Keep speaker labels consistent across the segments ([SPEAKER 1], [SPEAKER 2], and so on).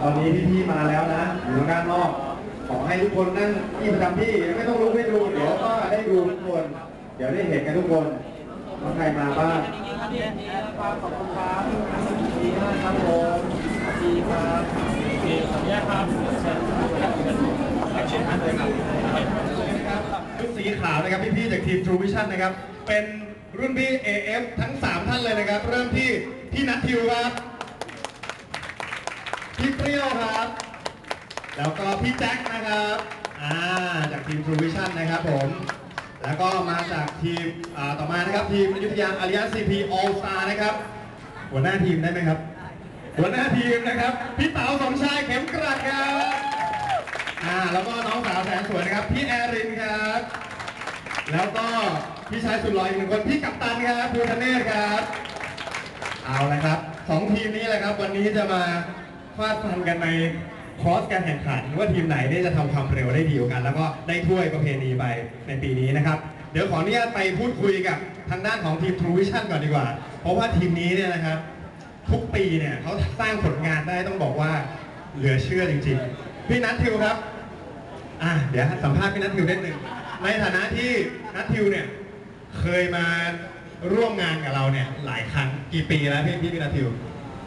[SPEAKER 1] อนนี้พี่ๆมาแล้วนะอยู่ด้านนอกขอให้ทุกคนนั่งที่ประจำที่ไม่ต้องลุกไม่ดูเดี๋ยวก็ได้ดูทุกคนเดี๋ยวได้เห็นกันทุกคนว่าใครมาบ้างขอบคุณครับดีมากครับผมดีครับดีขออนุญาตครับเชิญท่านเลยครับชุดสีขาวนะครับพี่ๆจากทีม True Vision นะครับเป็นรุ่นพี่ AF ทั้ง3ท่านเลยนะครับเริ่มที่พี่นัททิวครับพี่เปรี้ยวครับแล้วก็พี่แจ็คนะครับจากทีม True Vision นะครับผมแล้วก็มาจากทีมต่อมานะครับทีมอยุธยา Alliance CP All Star นะครับหัวหน้าทีมได้ไหมครับหัวหน้าทีมนะครับพี่เต๋าสมชายเข็มกรัดครับแล้วก็น้องสาวแสนสวยนะครับพี่แอรินครับแล้วก็พี่ชายสุดหล่ออีก1คนพี่กัปตันครับภูธเนศครับเอาละครับ2ทีมนี้แหละครับวันนี้จะมาฟาดฟันกันในคอร์สการแข่งขันว่าทีมไหนได้จะทำความเร็วได้ดีกว่ากันแล้วก็ได้ถ้วยประเพณีไปในปีนี้นะครับเดี๋ยวขออนุญาตไปพูดคุยกับทางด้านของทีม True Vision ก่อนดีกว่าเพราะว่าทีมนี้เนี่ยนะครับทุกปีเนี่ยเขาสร้างผลงานได้ต้องบอกว่าเหลือเชื่อจริงๆพี่นัททิวครับเดี๋ยวสัมภาษณ์พี่นัททิวได้หนึ่งในฐานะที่นัททิวเนี่ยเคยมาร่วมงานกับเราเนี่ยหลายครั้งกี่ปีแล้วพี่นัททิว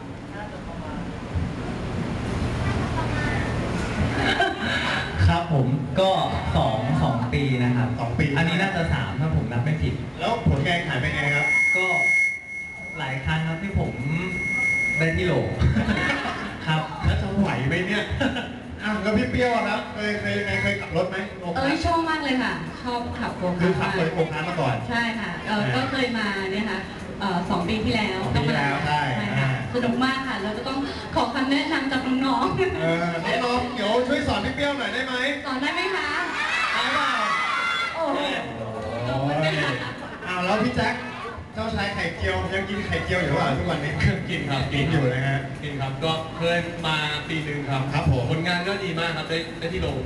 [SPEAKER 2] ครับผมก็2 ปีนะครับ
[SPEAKER 1] 2 ปี
[SPEAKER 2] อันนี้น่าจะ3ถ้าผมนับไม่ผิด
[SPEAKER 1] แล้วผลงานขายเป็นไงครับ
[SPEAKER 2] ก็หลายครั้งครับที่ผมได้ที่โหลครับ
[SPEAKER 1] แล้วจะไหวไหมเนี่ยแล้วพี่เปรี้ยวครับเคยขับรถไหม
[SPEAKER 3] ชอบมากเลยค่ะชอบขับโกคาร์ท
[SPEAKER 1] คือขับเลยโกคาร์ทมาก่อน
[SPEAKER 3] ใช่ค่ะก็เคยมาเนี่ยค่ะ2 ปีที่แล้ว
[SPEAKER 1] ต้องมาแล้วใช่
[SPEAKER 3] ค่ะสนุกมากค่ะเราจะต้องขอคำแนะนำจากน้อง
[SPEAKER 1] น้องเดี๋ยวช่วยสอนพี่เปรี้ยวหน่อยได้ไหม
[SPEAKER 3] สอนได้ไหมคะ
[SPEAKER 1] ได้เปล่า
[SPEAKER 3] โอ้
[SPEAKER 1] แล้วพี่แจ็คเจ้าชายไข่เจียวยังกินไข่เจียวอยู่หรือเปล่าทุกวันนี้
[SPEAKER 4] กินครับ
[SPEAKER 1] กินอยู่นะฮะ
[SPEAKER 4] กินครับก็เคยมาปีหนึ่งครับ
[SPEAKER 1] ผม
[SPEAKER 4] ผลงานก็ดีมากครับได้ที่โรง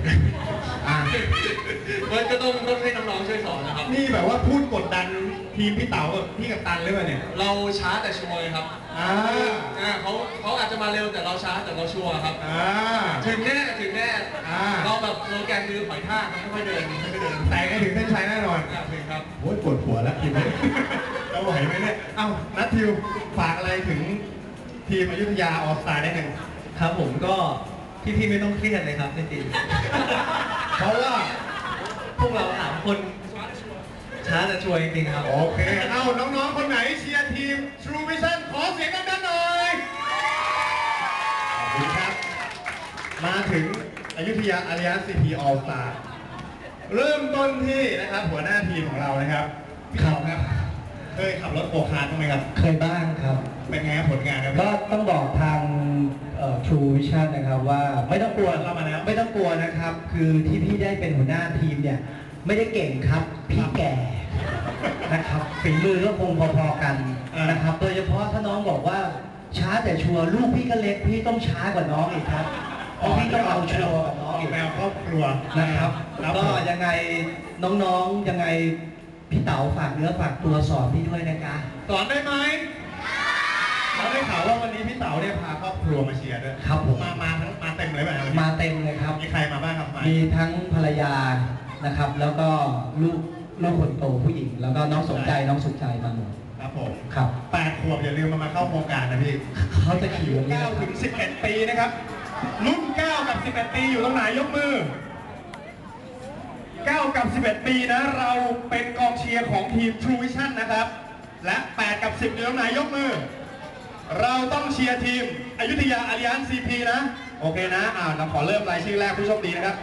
[SPEAKER 4] ก็ต้องให้น้องๆช่วยสอนนะครับ
[SPEAKER 1] นี่แบบว่าพูดกดดันทีมพี่เต๋ากับพี่กัปตันหรือเปล่าเนี่ย
[SPEAKER 4] เราช้าแต่ชัวร์ครับเขาอาจจะมาเร็วแต่เราช้าแต่เราชัวร์ครับถึงแน่เราแบบโลแกนคือหอยทากไม่ค่อยเดิน
[SPEAKER 1] แต่ให้ถึงเส้นชัยแน่นอน
[SPEAKER 4] ถึงครับ
[SPEAKER 1] โอ้ยปวดหัวแล้วทีมนี้เราไหวไหมเนี่ยนัททิวฝากอะไรถึงทีมอยุธยาออสตาได้หนึ่ง
[SPEAKER 2] ครับผมก็พี่ไม่ต้องเครียดเลยครับจริง
[SPEAKER 1] เพราะว่า
[SPEAKER 2] พวกเรา3 คนช้าแต่ช่วยจริงๆครับ
[SPEAKER 1] โอเคน้องๆคนไหนเชียร์ทีม True Vision ขอเสียงดังๆหน่อยขอบคุณครับมาถึงอยุธยา Alliance CP All Star เริ่มต้นที่นะครับหัวหน้าทีมของเรานะครับพี่ขอบครับเคยขับรถโกคาร์ทบ้างไหมครับ
[SPEAKER 2] เคยบ้างครับ
[SPEAKER 1] เป็นไงผลงานครับ
[SPEAKER 2] ก็ต้องบอกทางTrue Vision นะครับว่าไม่ต้องกลัว
[SPEAKER 1] เรามาแล้ว
[SPEAKER 2] ไม่ต้องกลัวนะครับคือที่พี่ได้เป็นหัวหน้าทีมเนี่ยไม่ได้เก่งครับพี่แก่นะครับฝีมือก็คงพอๆกันนะครับโดยเฉพาะถ้าน้องบอกว่าช้าแต่ชัวร์ลูกพี่ก็เล็กพี่ต้องช้ากว่าน้องอีกครับเพราะพี่ต้องเอาชัวร์กับน้องอีก
[SPEAKER 1] แมวครอบครัว
[SPEAKER 2] นะครับก็ยังไงน้องๆยังไงพี่เต๋าฝากเนื้อฝากตัวสอนพี่ด้วยนะคะ
[SPEAKER 1] สอนได้ไหมเราได้ข่าวว่าวันนี้พี่เต๋าเนี่ยพาครอบครัวมาเชียร์ด้วย
[SPEAKER 2] ครับผม
[SPEAKER 1] มาเต็มเลยไหม
[SPEAKER 2] มาเต็มเลยครับ
[SPEAKER 1] มีใครมาบ้างครับ
[SPEAKER 2] มีทั้งภรรยานะครับแล้วก็ลูกคนโตผู้หญิงแล้วก็น้องสนใจน้องสุขใจมาหมด
[SPEAKER 1] ครับผม
[SPEAKER 2] ครับ
[SPEAKER 1] 8 ขวบอย่าลืมมาเข้าโครงการนะพี่
[SPEAKER 2] เขาจะขี่วันนี้
[SPEAKER 1] 9 ถึง 11 ปีนะครับรุ่น9 กับ 11 ปีอยู่ตรงไหนยกมือ9 กับ 11 ปีนะเราเป็นกองเชียร์ของทีม True Vision นะครับและ8 กับ 10อยู่ตรงไหนยกมือเราต้องเชียร์ทีมอยุธยา Alliance CP นะโอเคนะเราขอเริ่มรายชื่อแรกผู้โชคดีนะครับ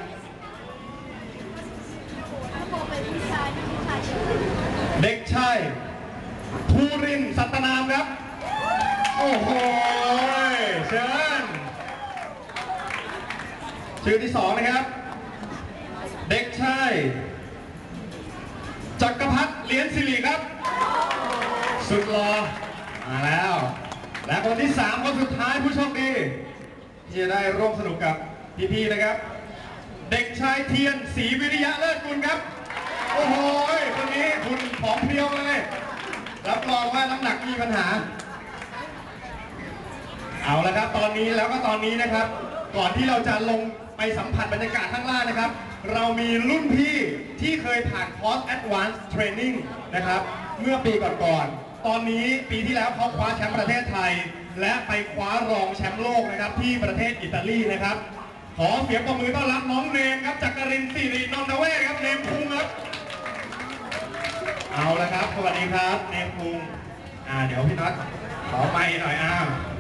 [SPEAKER 1] เด็กชายภูรินทร์สัตนามครับโอ้โหเชิญชื่อที่2นะครับเด็กชายจักรพัฒน์เลี้ยนศิริครับสุดหล่อมาแล้วและคนที่3คนสุดท้ายผู้โชคดีที่จะได้ร่วมสนุกกับพี่ๆนะครับเด็กชายเทียนศรีวิริยะเลิศกุลครับโอ้โหคนนี้คุณผอมเพรียวเลยรับรองว่าน้ำหนักมีปัญหาเอาละครับตอนนี้นะครับก่อนที่เราจะลงไปสัมผัสบรรยากาศข้างล่างนะครับ เรามีรุ่นพี่ที่เคยผ่านคอร์ส Advanced Training นะครับ เมื่อปีก่อนๆ ตอนนี้ปีที่แล้วเขาคว้าแชมป์ประเทศไทย และไปคว้ารองแชมป์โลกนะครับที่ประเทศอิตาลีนะครับ ขอเสียงปรบมือต้อนรับน้องเนมครับจากกรินทร์สิรินนทเวศครับเนมคุงครับ เอาละครับ สวัสดีครับ เนมคุงเดี๋ยวพี่น็อตขอไมค์หน่อย